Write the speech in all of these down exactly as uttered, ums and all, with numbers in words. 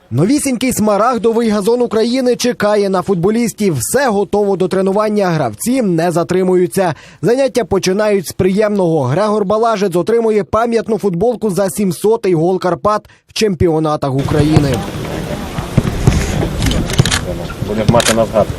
Новісінький смарагдовий газон України чекає на футболістів. Все готово до тренування. Гравці не затримуються. Заняття починають з приємного. Грегор Балажець отримує пам'ятну футболку за сімсотий гол Карпат в чемпіонатах України. Будемо мати на згадку.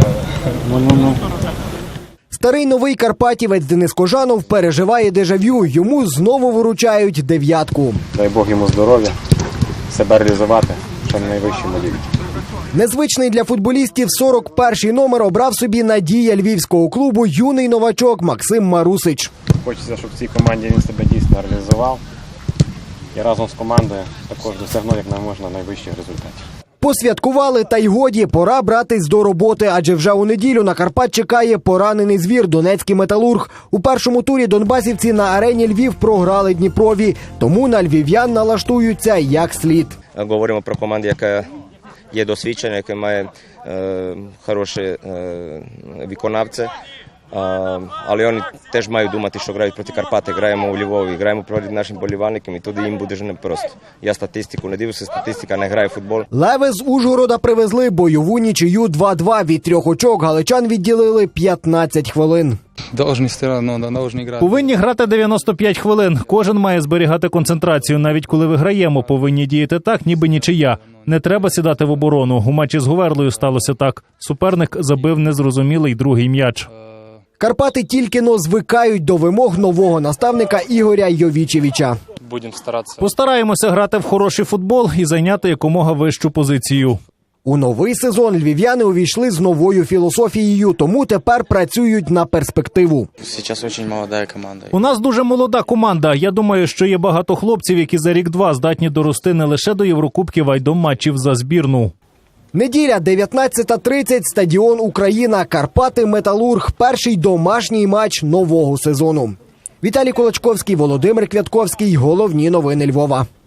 Старий новий карпатівець Денис Кожанов переживає дежавю. Йому знову вручають дев'ятку. Дай Бог йому здоров'я, себе реалізувати, що на найвищому рівні. Незвичний для футболістів сорок перший номер обрав собі надія львівського клубу юний новачок Максим Марусич. Хочеться, щоб в цій команді він себе дійсно реалізував і разом з командою також досягнув як можна найвищих результатів. Посвяткували, та й годі, пора братись до роботи, адже вже у неділю на Карпат чекає поранений звір – Донецький Металург. У першому турі донбасівці на арені Львів програли Дніпрові, тому на львів'ян налаштуються як слід. Говоримо про команду, яка є досвідчена, яка має е, хороші е, виконавці. Uh, але вони теж мають думати, що грають проти Карпати, граємо у Львові, граємо проти нашим болівальникам, і туди їм буде ж непросто. Я статистику не дивлюся, статистика не грає в футбол. Леви з Ужгорода привезли бойову нічию два-два. Від трьох очок галичан відділили п'ятнадцять хвилин. Повинні грати дев'яносто п'ять хвилин. Кожен має зберігати концентрацію. Навіть коли виграємо, повинні діяти так, ніби нічия. Не треба сідати в оборону. У матчі з Говерлою сталося так. Суперник забив незрозумілий другий м'яч. Карпати тільки-но звикають до вимог нового наставника Ігоря Йовічевича. Постараємося грати в хороший футбол і зайняти якомога вищу позицію. У новий сезон львів'яни увійшли з новою філософією, тому тепер працюють на перспективу. У нас дуже молода команда. Я думаю, що є багато хлопців, які за рік-два здатні дорости не лише до Єврокубків, а й до матчів за збірну. Неділя, дев'ятнадцята тридцять, стадіон «Україна», Карпати, Металург. Перший домашній матч нового сезону. Віталій Колочковський, Володимир Квятковський. Головні новини Львова.